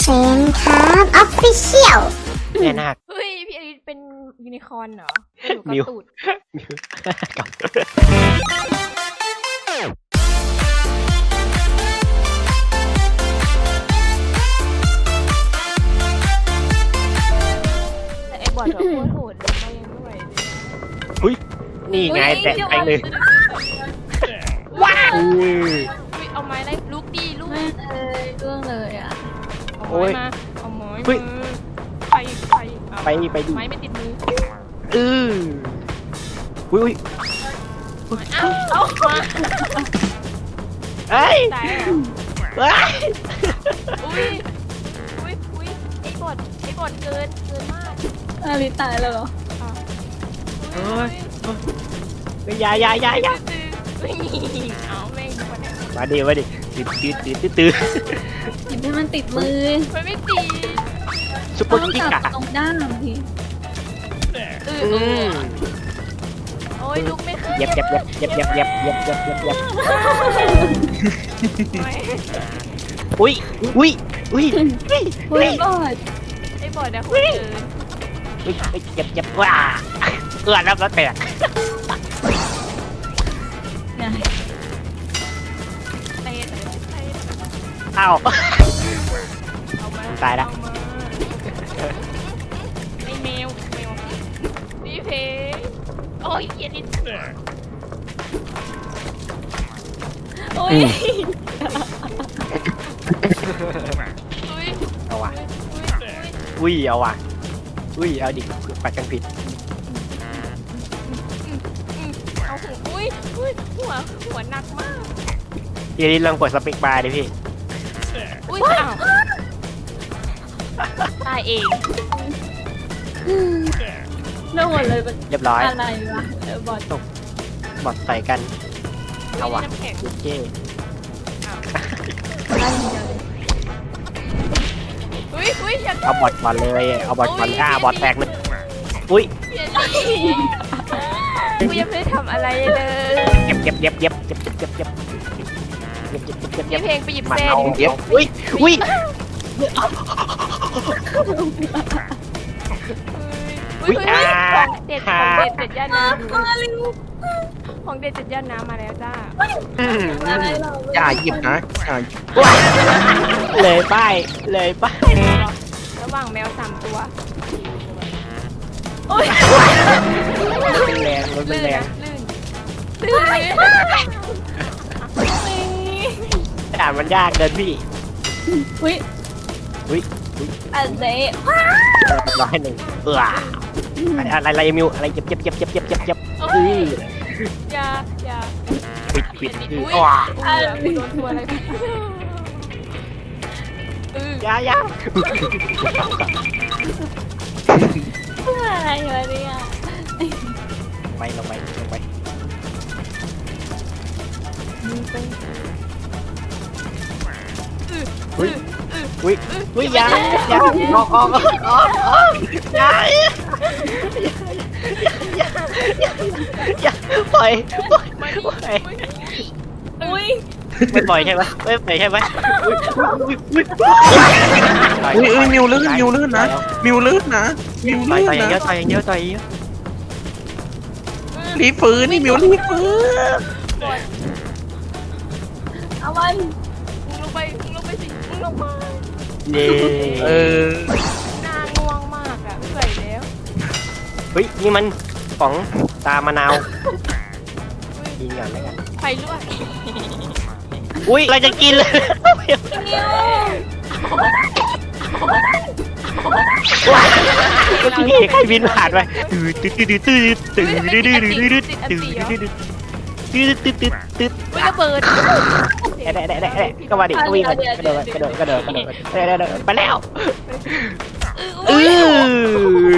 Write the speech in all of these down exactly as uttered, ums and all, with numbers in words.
เซนครับออฟฟิเชียลแน่นาคเฮ้ยพี่อลิสเป็นยูนิคอร์นเหรออยู่มิวกับตูดมิวกับแต่ไอ้บอดแบบโคตรโหดเลยไม่ยังไม่ไหวเลยอุ้ยนี่ไงแตะไปเลยว้าวอุ้ยเอาไม้ไล่ลุกดีลูกไม่เลยเรื่องเลยอ่ะเอาโอ้ไม้ยมาเอาไม้เฮ้ยมาไปไปเอาไปไปดิไม้ไม่ติดมือเอออุ้ยอุ้ยเอ้าเอามาเอ้ยตายเหรอเอ้ยอุ้ยอุ้ยอุ้ยไอ้บอดไอ้บอดเกินเกินมากอาลิตายแล้วเหรออ่ะโอ้ยอยาอยาอยาอยาไม่มีเอาแม่งดีกว่าเนี่ยมาดิมาดิตื่นตื่นตื่นตื่นตื่นหยิบให้มันติดมือมันไม่ตีซุปเปอต้อร์งกิ๊กจับอะตรงด้านทีเอออืเออมโอ้ยลุกไม่ขึ้นเย็บเย็บเย็บเย็บเย็บเย็บเย็บเย็บเย็บเย็บไม่อุ้ยอุ้ยอุ้ยอุ้ยเฮ้ยบอดไอ้บอดอะคนเดินอุ้ยเย็บเย็บว้าเอื้อนแล้วแล้วแตกไงเตะเตะเตะอ้าวเอามาตายละเอมาไอ้แมวแมวพี่เพงโอ้ยเหี้ยนิดโอ้ยอุ้ยเอาว่ะอุ้ยอุ้ยอุ้ยเอาว่ะอุ้ยเอาดิปัดกันผิดอืมเอาหัวอุ้ยอุ้ยหัวหัวหนักมากทีนี้ลองกดสปิกบาร์ดิพี่อุ้ยอ้าวตายเองเรื่องหมดเลยเป็นเรียบร้อยอะไรวะเออบอดบอดใส่กัน เอาว่ะน้ำแข็งเจ๊อ้าวได้อย่างเดียวเลยอุ้ยอุ้ยอย่าเอาบอดก่อนเลยเอาบอดก่อนอ่าบอดแตกเลยอุ้ยอย่าดิกูยังไม่ได้ทำอะไรเลยเก็บเก็บเก็บเก็บเก็บเก็บเก็บเก็บเก็บเก็บเก็บเก็บพี่เพลงไปหยิบมันเส้นเอาเก็บอุ้ยอุ้ยอุ้ยอุ้ยอ่าของเด็ดของเด็ดเจ็ดย่านน้มาเร็วำของเด็ดเจ็ดย่านน้ำมาแล้วจ้าอืมอะไรเราอย่าหยิบนะอย่าเลยป้ายเลยป้ายระหว่างแมวสามตัวโอ้ยมันแรงมันลื่นแรงนะลื่นลื่นเลยด่านมันยากเกินพี่อุ้ยอุ้ยอันเซ่ร้อยหนึ่งเอออะไรอะไรอะไรมิวอะไรเจ็บเจ็บเจ็บเจ็บเจ็บเจ็บเจ็บโอ้อืยออย่าอย่าปิดปิดอันนี้อืออุ้ยว้าอุ้ยโดนตัวอะไรเออยายาอะไรวะเนี่ยไปลงไปลงไปอุ้ยอุ้ยอุ้ยยายาออกออกออกออกออกยายยาปล่อยปล่อยมาปล่อยอุ้ยไม่ปล่อยใช่ไหมไม่ปล่อยใช่ไหมอุ้ยอุ้ยอุ้ยอุ้ยอุ้ยมิวลื่นมิวลื่นนะมิวลื่นนะมิวต่อยลื่นต่อยอย่างเงี้ยนะต่อยอย่างเงี้ยต่อยอย่างเงี้ยรีบฟื้นนี่มิวรีบฟื้นเอามันมึงลงไปมึงลงไปสิมึงลงมาเย้เออหน้าง่วงมากอ่ะไม่ไหวแล้วเฮ้ยนี่มันของตามะนาวกินก่อนแล้วกันไฟลวกอุ้ยเราจะกินเลยนิวก็ที่ใครบินผ่านไปตื่นตื่นตื่นตื่นตื่นตื่นตื่นตื่นตื่นตื่นตื่นตื่นตื่นตื่นตื่นตื่นอุ้ยระเบิดได้ได้ได้ได้ก็มาดิก็วิ่งกระโดดกระโดดกระโดดกระโดดได้ได้ได้ไปแล้วเออ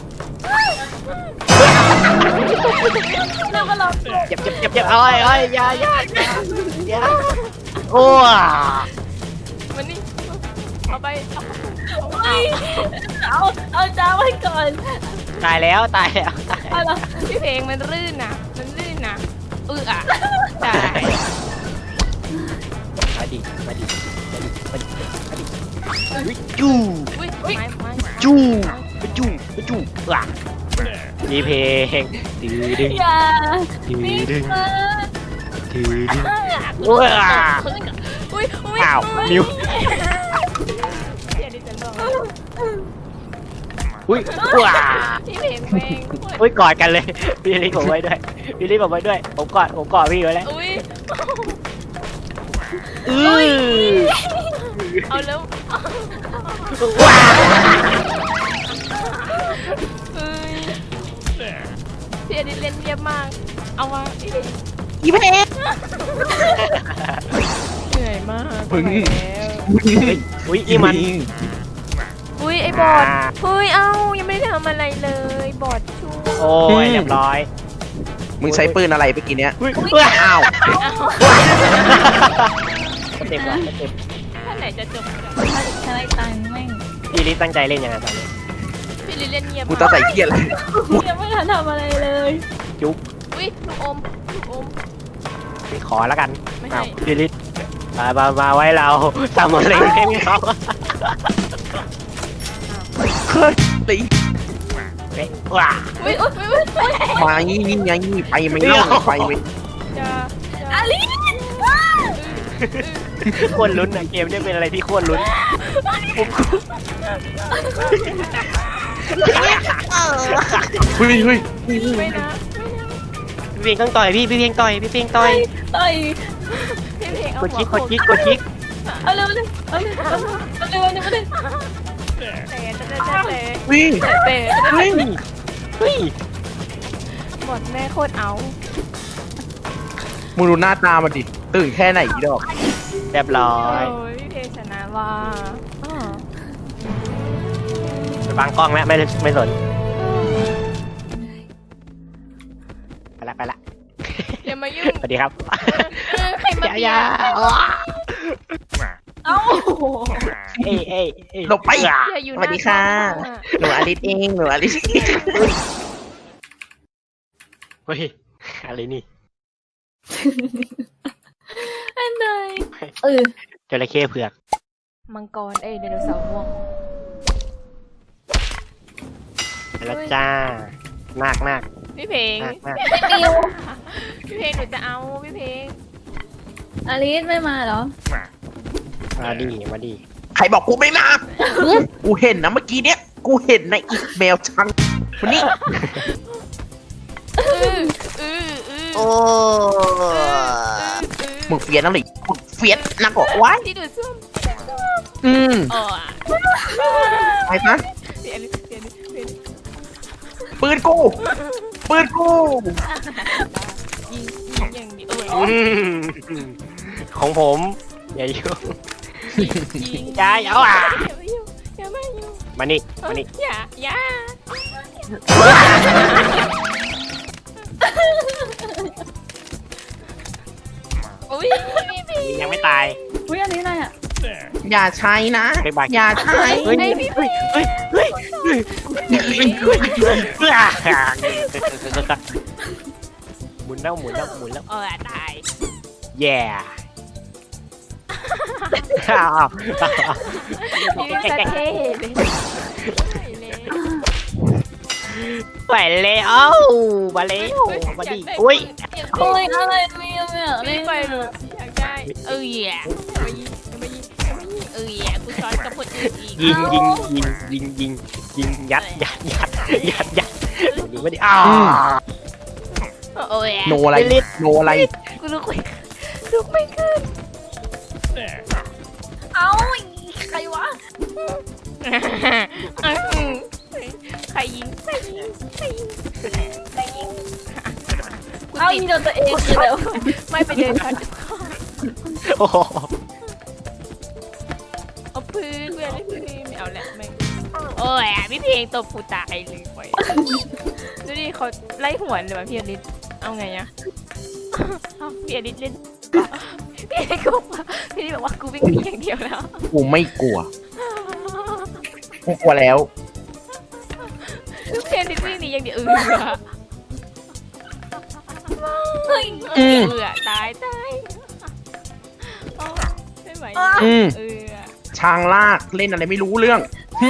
เราก็ลองเจ็บเจ็บเจ็บเจ็บเอ้ยเอ้ยยายายาโอ้มันนี่เอาไปเอาอุ้ยเอาเอาจ้าไว้ก่อนตายแล้วตายแล้วตายเอาละพี่เพลงมันลื่นนะมันลื่นนะเอออ่ะตายมาดิมาดิมาดิมาดิมาดิจู้อุ้ยไม่ไม่จู้จู้จู้ว่ะมีเพลงดื้อดึงอย่าดื้อนี่ดึงมาดื้อดึงอุ้ยว้าอุ้ยอุ้ยอ้าวมิวเดี๋ยวดิฉันบอกอุ้ยว้าพี่เพลงเพลงอุ้ยกอดกันเลยพี่ลิผมไว้ด้วยพี่ลิผมไว้ด้วยผมกอดผมกอดพี่ไว้แล้วอุ้ยอือเอาแล้วว้าเฮ้ยพี่อดิเล่นเรียบมากเอาวะอีเพลงเหนื่อยมากพึ่งอุ้ยอีมันอุ้ยไอ้บอดเฮ้ยเอ้ายังไม่ได้ทำอะไรเลยบอดชูโอ้ยเรียบร้อยมึงใช้ปืนอะไรเมื่อกี้เนี้ยอุ้ยอ้าวเต็มว่ะเต็มท่านไหนจะจบถ้าได้ตังค์แม่งพี่ลิตั้งใจเล่นยังไงตอนนี้พี่ลิเล่นเงียบกูต้องใส่เกียร์อะไรยังไม่ทันทำอะไรเลยจุ๊บอุ้ยลูกอมลูกอมพี่ขอแล้วกันไม่อ้าให้วพี่ลิมามามาไว้เราทำอะไรให้เขาเฮ้ยตีเฮ้ยว้าอุ้ยอุ้ยอุ้ยอุ้ยมานี่นี่ไงนี่ไปไม่เล่าไปไม่จะจะอาลิโคตรลุ้นอะเกมนี้เป็นอะไรที่โคตรลุ้นผมเฮ้ยเฮ้ยไม่นะพี่เพียงต้องต่อยพี่พี่เพียงต่อยพี่เพียงต่อยต่อยพี่เพลงเอากดหัวคลิกกดคลิกกดคลิกเอาเร็วเลยเอาเร็วเอาเร็วเอาเร็วเอาเร็วเอาเร็วเตะเตะเตะเตะวิ่งเตะเฮ้ยเฮ้ยบอดแม่โคตรเอามึงดูหน้าตามันดิตื่นแค่ไหนอีดอกเรียบร้อโอ้ยยพี่เพลงชนะว่าอ้อไปบังกล้องแล้วไม่ไม่สนไปละไปละอย่ามายุ่งสวัสดีครับใครมาอย่าเบีอย ย่าเอ้าเอ้ยเอ้ยเอ้ยหลบไปอย่าอยู่สวัสดีค่ะหนูอลิสเองหนูอลิสเฮ้ยอะไรนี่อันไหนเออจระเข้เผือกมังกรเอ้ยไดโนเสาร์ม่วงไปแล้วจ้านาคนาคพี่เพลงนาคนาคมิวพี่เพลงหนูจะเอาพี่เพลงอาลิสไม่มาเหรอมาดีมาดีใครบอกกูไม่มากูเห็นนะเมื่อกี้เนี้ยกูเห็นในอีเมลชังวันนี้อืออืออือโอ้อือมึงเฟียนนั่นหรือมึงเฟียนนักบอกว่าที่ดูดซ่วมอืมอ๋อไปนะเสียนี่เสียนี่เสียนี่ปืนกูปืนกูยิงยิงอย่างนี้เอออืมของผมอย่ายุ่งยิงอย่าอย่าอ่ะอย่ามายุ่งอย่ามายุ่งมานี่มานี่อย่าอย่าอุ้ยพี่เพลงยังไม่ตายอุ้ยอันนี้อะไรอ่ะอย่าใช้นะไปบายอย่าใช้เฮ้ยเฮ้ยเฮ้ยเฮ้ยเฮ้ยเฮ้ยเฮ้ยหมุนแล้วหมุนแล้วหมุนแล้วเออตายแย่อ้าวพี่เพลงเท่เลยเลยไปเลยเอ้ามาแล้วมาดิอุ้ยโอ้ยอะไรมิวเนี่ยไม่ไม่ไปไปหรอกอยากได้เอออย่ามายิงมายิงมายิงเอออย่ากูช้อนกับคนอื่นอีกยิงยิงยิงยิงยิงยิงยัดยัดยัดยัดยัดยิงไม่ได้อ้าวโอ้ยโนอะไรโนอะไรกูลุกไม่ลุกไม่ขึ้นเอ้าใครวะใครยิงใครยิงใครยิงใครยิงเอ้ายิงโดนตัวเองคือแล้วไม่ไปเดินกันโอ้โหเอาพื้นเพื่อนให้พื้นไม่เอาแหละไม่โอ้ยพี่เพลงตบกูตายเลยไปดูดิเขาไล่หัวเลยว่ะพี่อลิศเอาไงอะพี่อลิศเล่นพี่อลิศก็บอกพี่อลิศบอกว่ากูวิ่งหนีอย่างเดียวแล้วกูไม่กลัวกูกลัวแล้วพี่อลิศวิ่งหนีอย่างเดียวเออเฮ้ยอืมเออตายตายไม่ไหวอืมเออช้างลากเล่นอะไรไม่รู้เรื่อง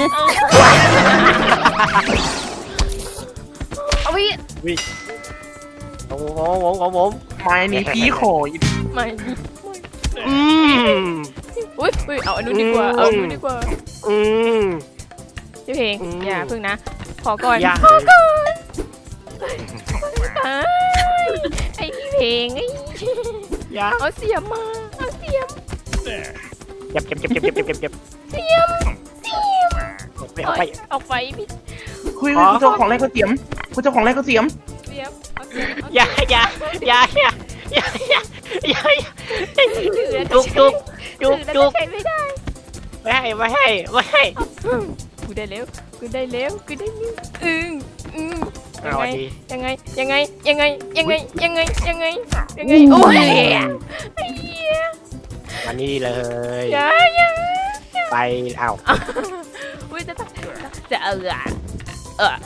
เอาวิโอ้โหโอ้โหโอ้โหไม้นี้พี่ขออีกไม่อืมอุ้ยอุ้ยเอาอันนู้นดีกว่าเอาอันนู้นดีกว่าอืมพี่เพลงอืมอย่าเพิ่งนะขอก่อนอย่าขอก่อนตายไอพี่เพลงไอ้อย่าเอาเสียมมาเอาเสียมเจ็บเจ็บเจ็บเจ็บเจ็บเจ็บเจ็บเจ็บเสียมเสียมไปเอาไปออกไปพี่คุยคุณเจ้าของแรกก็เสียมคุณเจ้าของแรกก็เสียมเสียมเอาเสียมเอาอย่าอย่าอย่าอย่าอย่าอย่าอย่าอย่าถือแล้วจุกจุกจุกถือแล้วจุกใช้ไม่ได้ไม่ให้ไม่ให้ไม่ให้กูได้แล้วกูได้แล้วกูได้แล้วอืมอืมยัเอางไงดียังไงยังไงยังไงยังไงยังไงยังไงยังไงโอ้ยไอ้เหี้ยมานี่เลยอย่าอย่าไปเอาอุ้ยจะจะเออเออ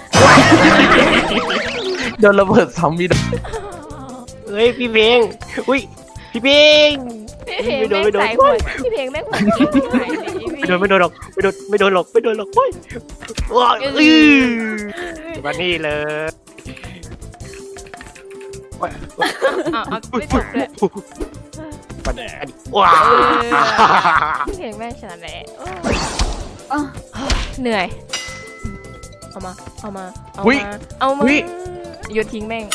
โดนระเบิดซ้ำมีดเฮ้ยพี่เพลงอุ้ยพี่เพลงพี่เพลงแม่งใส่หัวพี่เพลงแม่งหัวหายเลยไม่โดนไม่โดนหรอกไม่โดนไม่โดนหรอกไม่โดนหรอกเฮ้ยว้าวอือมานี่เลยอ้าวไม่จบเลยมันอันนี้ว้าวพี่เพลงแม่งชนะแหละเหนื่อยเอามาเอามาเอามาเอามาโยนทิ้งแม่ง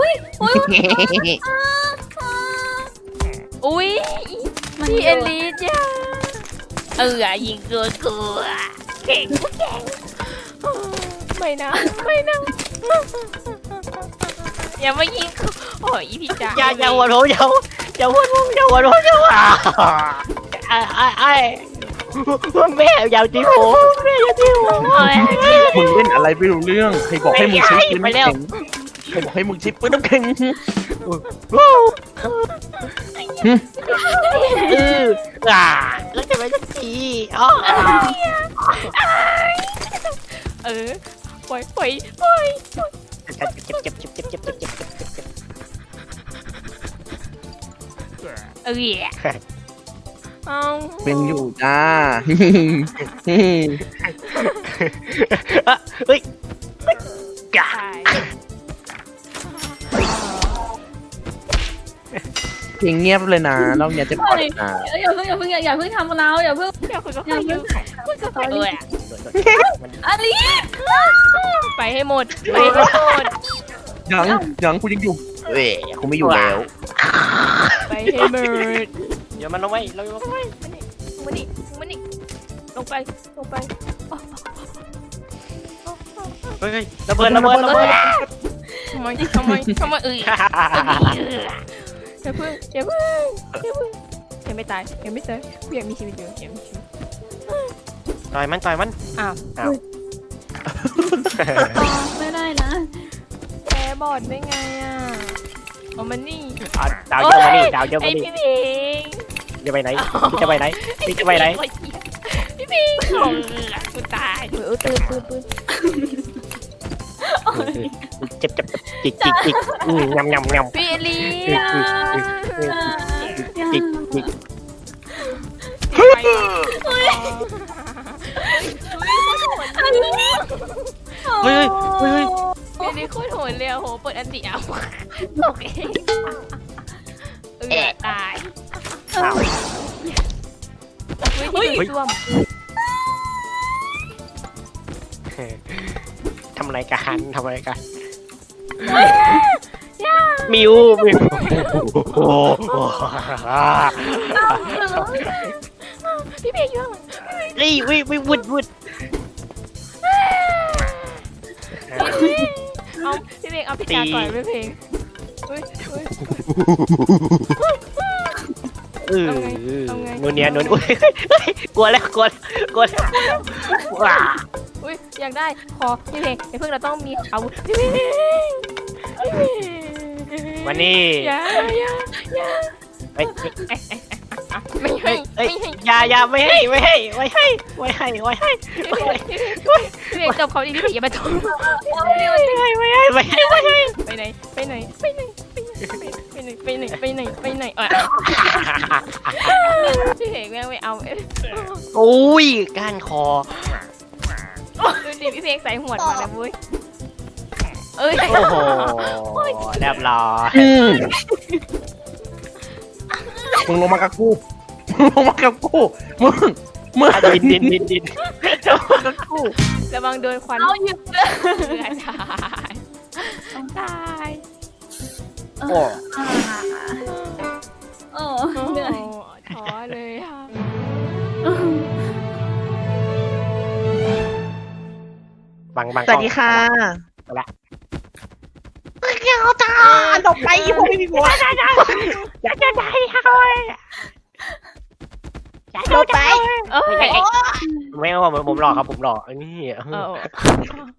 อุ้ยพี่เอลิสจ้าเออยิงเกินกูเก่งเก่งไม่นะไม่นะอย่ามายิงกูโอ้ยอีพี่จ๋าอย่าอย่าหัวโถอย่าอย่าหัวโถอย่าหัวโถอย่าหัวไอ้ไอ้ไอ้แม่อย่าจิ้มหัวแม่อย่าจิ้มหัวมึงเล่นอะไรไม่รู้เรื่อง ใครบอกให้มึงใช้ปืนน้ำแข็งใครบอกให้มึงใช้ปืนน้ำแข็งเอออ่าแล้วจะไปสักทีอ๋อเออปล่อยปล่อยปล่อยเจ็บเจ็บเจ็บเจ็บเจ็บเจ็บเจ็บเจ็บเจ็บเจ็บเจ็บเออเอาเป็นอยู่จ้าเฮ้ยกาตายเพลงเงียบเลยนะเราเนี่ยจะปล่อยนะอย่าเพิ่งอย่าเพิ่งอย่าเพิ่งทำเราอย่าเพิ่งอยากคุยกับใครอยู่คุยกับใครเอออลิสไปให้หมดไปให้หมดยังยังกูยังอยู่เว้ยกูไม่อยู่แล้วไปให้หมดเดี๋ยวมันลงไปเราลงไปมานี่มานี่ลงไปลงไปเฮ้ยระเบิดระเบิดระเบิดทำไมทำไมทำไมเอ้ยอย่าเพิ่งอย่าเพิ่งอย่าเพิ่งยังไม่ตายยังไม่ตายกูยังมีชีวิตอยู่ยังมีชีวิตต่อยมันต่อยมันอ้าวอ้าวไม่ได้นะแพ้บอดได้ไงอ่ะเอามันนี่ดาวเยอะมานี่ดาวเยอะไอมานี่พี่เพงจะไปไหนพี่จะไปไหนพี่จะไปไหนพี่เพงของกูตายเออปืนปืนปืนเจ็บเจ็บจิกจิกจิกงำงำงำพี่ลีจิกจิก เฮ้ยเฮ้ยพี่ลีโคตรโหดเลยโหเปิดอันติเอาตกเองเออตายอ้าวเฮ้ยซ่วมทำอะไรกันทำอะไรกันมิวมิวโอ้โหพี่เพงอยู่นี่วิวิวุดวุดเอาพี่เพงเอาพี่จ๋าก่อนพี่เพงเฮ้ยเฮ้ยเออนูเนียนูนอุ้ยกลัวแล้วกลัวกลัวว้าอุ้ยอยากได้ขอพี่เพงไอ้เพิ่งเราต้องมีอาวุธพี่เพงวันนี้อย่าอย่าอย่าไม่ไม่ให้เอ้ยไม่ให้อย่าอย่าไม่ให้ไม่ให้ไม่ให้ไม่ให้ไม่ให้พี่เพงจบเขาดีพี่เพงอย่ามาทนไม่ให้ไม่ให้ไม่ให้ไม่ให้ไปไหนไปไหนไปไหนไปไหนไปไหนไหนไปไหนไปไหนไปไหนเออพี่เพลงแม่งไม่เอาเอ้ยโอ้ยก้านคอดูดิพี่เพลงใส่หวดมาแล้วเว้ยเอ้ยโอ้โหเรียบร้อยอืมมึงลงมากับกูมึงลงมากับกูมึงมึงดินดินดินดินลงมากับกูระวังโดนควันเอาหยุดเลยเลือดตายตายโอ้โอ้โอ้เหนื่อยท้อเลยค่ะบังบังสวัสดีค่ะไปละเกี่ยวจ้าหลบไปอีพวกไม่มีหัวอยากจะได้เลยอยากหลบไปเอ้ยไม่เอาผมผมหลอกครับผมหลอกอันนี้เออ